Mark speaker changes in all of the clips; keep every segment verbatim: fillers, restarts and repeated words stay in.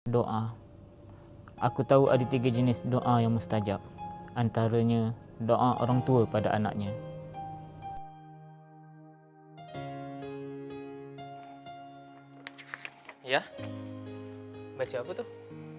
Speaker 1: Doa. Aku tahu ada tiga jenis doa yang mustajab. Antaranya doa orang tua pada anaknya.
Speaker 2: Ya? Baca apa tu?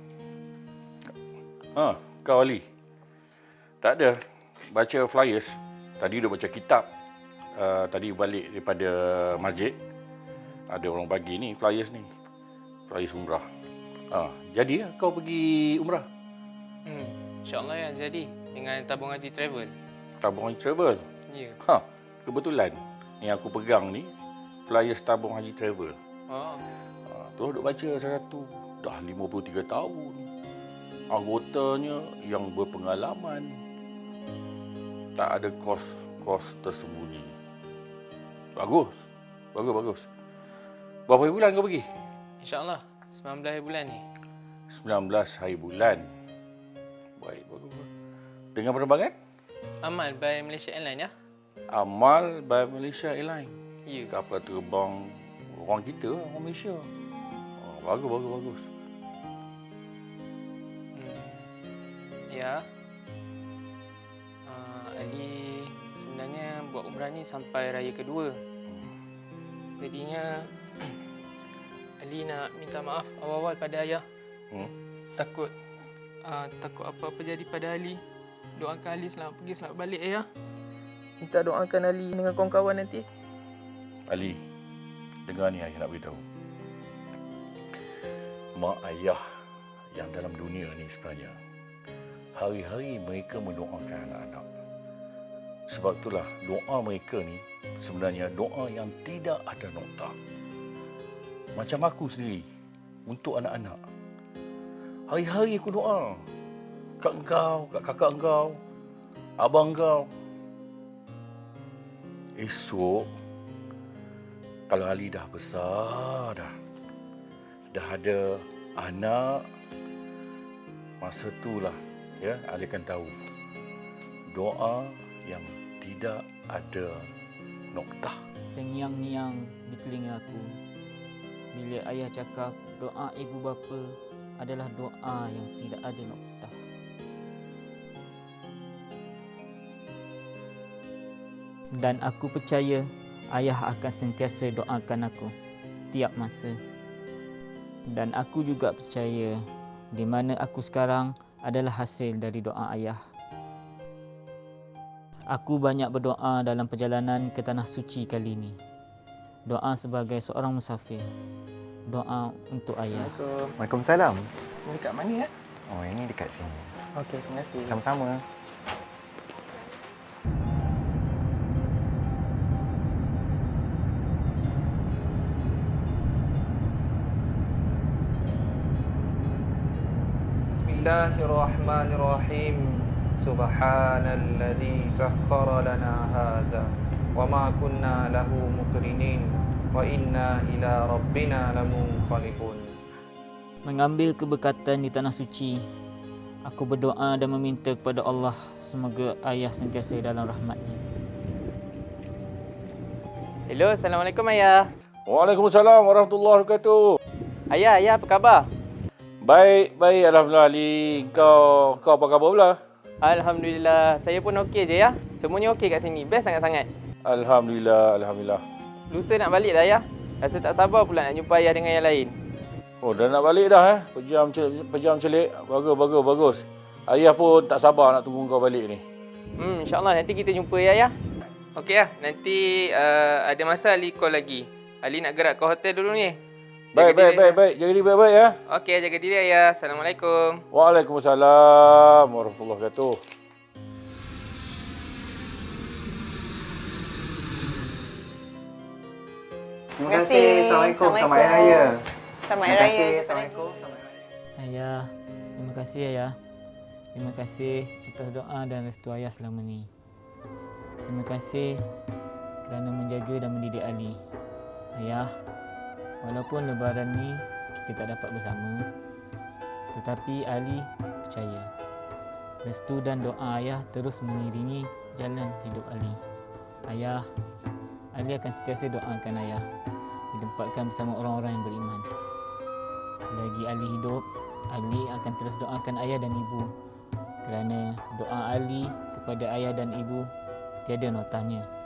Speaker 3: Ha, kau Ali. Tak ada. Baca flyers. Tadi dah baca kitab. Uh, tadi balik daripada masjid. Ada orang bagi ni flyers ni. Flyers umrah. Ha, jadi kau pergi umrah?
Speaker 2: Hmm, InsyaAllah ya jadi. Dengan tabung haji travel.
Speaker 3: Tabung haji travel?
Speaker 2: Ya.
Speaker 3: Ha, kebetulan. Ni aku pegang ni. Flyers tabung haji travel.
Speaker 2: Oh.
Speaker 3: Ha, tu duk baca satu. Dah lima puluh tiga tahun. Anggotanya yang berpengalaman. Tak ada kos-kos tersembunyi. Bagus. Bagus, bagus. Berapa hari bulan kau pergi?
Speaker 2: InsyaAllah sembilan belas hari bulan ni.
Speaker 3: sembilan belas hari bulan. Baik, bagus. Dengan penerbangan?
Speaker 2: Amal by Malaysia Airlines ya?
Speaker 3: Amal by Malaysia Airlines.
Speaker 2: Ya.
Speaker 3: Kapal terbang orang kita, orang Malaysia. Oh, bagus, bagus, bagus.
Speaker 2: Hmm. Ya. Uh, Ali sebenarnya buat umrah ni sampai raya kedua. Jadinya Ali nak minta maaf awal-awal pada ayah.
Speaker 3: Hmm?
Speaker 2: Takut uh, takut apa-apa jadi pada Ali. Doakan Ali selamat pergi selamat balik ayah. Minta doakan Ali dengan kawan-kawan nanti.
Speaker 3: Ali, dengar ni ayah nak beritahu. Mak ayah yang dalam dunia ni sebenarnya, hari-hari mereka mendoakan anak-anak. Sebab itulah doa mereka ni sebenarnya doa yang tidak ada nokta. Macam aku sendiri, untuk anak-anak. Hari-hari aku doa. Kat engkau, kat kakak engkau, abang engkau. Esok, kalau Ali dah besar dah, dah ada anak, masa itulah ya, Ali akan tahu doa yang tidak ada noktah.
Speaker 1: Terngiang-ngiang di telinga aku bila ayah cakap doa ibu bapa adalah doa yang tidak ada noktah. Dan aku percaya ayah akan sentiasa doakan aku tiap masa. Dan aku juga percaya di mana aku sekarang adalah hasil dari doa ayah. Aku banyak berdoa dalam perjalanan ke Tanah Suci kali ini. Doa sebagai seorang musafir. Doa untuk ayah.
Speaker 2: Assalamualaikum.
Speaker 4: Waalaikumsalam.
Speaker 2: Ini dekat mana ya?
Speaker 4: Oh, ini dekat sini.
Speaker 2: Okey, terima kasih.
Speaker 4: Sama-sama.
Speaker 5: Bismillahirrahmanirrahim. Subhanalladzi sakhkhara lana hadza wa ma kunna lahu muqrinin wa inna ila rabbina lamunqalibun.
Speaker 1: Mengambil keberkatan di Tanah Suci, aku berdoa dan meminta kepada Allah semoga ayah sentiasa dalam rahmat-Nya.
Speaker 2: Hello, Assalamualaikum ayah.
Speaker 3: Waalaikumsalam warahmatullahi wabarakatuh.
Speaker 2: Ayah, ayah apa khabar?
Speaker 3: Baik, baik. Alhamdulillah Ali. Kau, kau apa khabar pula?
Speaker 2: Alhamdulillah, saya pun okey je ya. Semuanya okey kat sini. Best sangat-sangat.
Speaker 3: Alhamdulillah, Alhamdulillah.
Speaker 2: Lusa nak balik dah ya. Rasa tak sabar pula nak jumpa ayah dengan yang lain.
Speaker 3: Oh, dah nak balik dah eh. Pejam, pejam celik. Bagus, bagus, bagus. Ayah pun tak sabar nak tunggu kau balik ni.
Speaker 2: Hmm, InsyaAllah nanti kita jumpa ya ya. Okey ya, nanti uh, ada masa Ali call lagi. Ali nak gerak ke hotel dulu ni.
Speaker 3: Baik, baik, baik, baik. Jaga diri baik-baik ya.
Speaker 2: Okey, jaga diri ayah. Assalamualaikum.
Speaker 3: Waalaikumsalam warahmatullahi wabarakatuh.
Speaker 4: Terima kasih. Assalamualaikum. Selamat Hari Raya.
Speaker 6: Selamat
Speaker 4: Terima
Speaker 6: Hari Raya.
Speaker 4: kasih.
Speaker 6: Jumpa lagi.
Speaker 4: Assalamualaikum. Selamat Hari Raya.
Speaker 1: Ayah, terima kasih ayah. Terima kasih atas doa dan restu ayah selama ni. Terima kasih kerana menjaga dan mendidik Ali. Ayah, walaupun lebaran ni kita tak dapat bersama, tetapi Ali percaya restu dan doa ayah terus mengiringi jalan hidup Ali. Ayah, Ali akan sentiasa doakan ayah ditempatkan bersama orang-orang yang beriman. selagi Ali hidup, Ali akan terus doakan ayah dan ibu, kerana doa Ali kepada ayah dan ibu tiada notanya.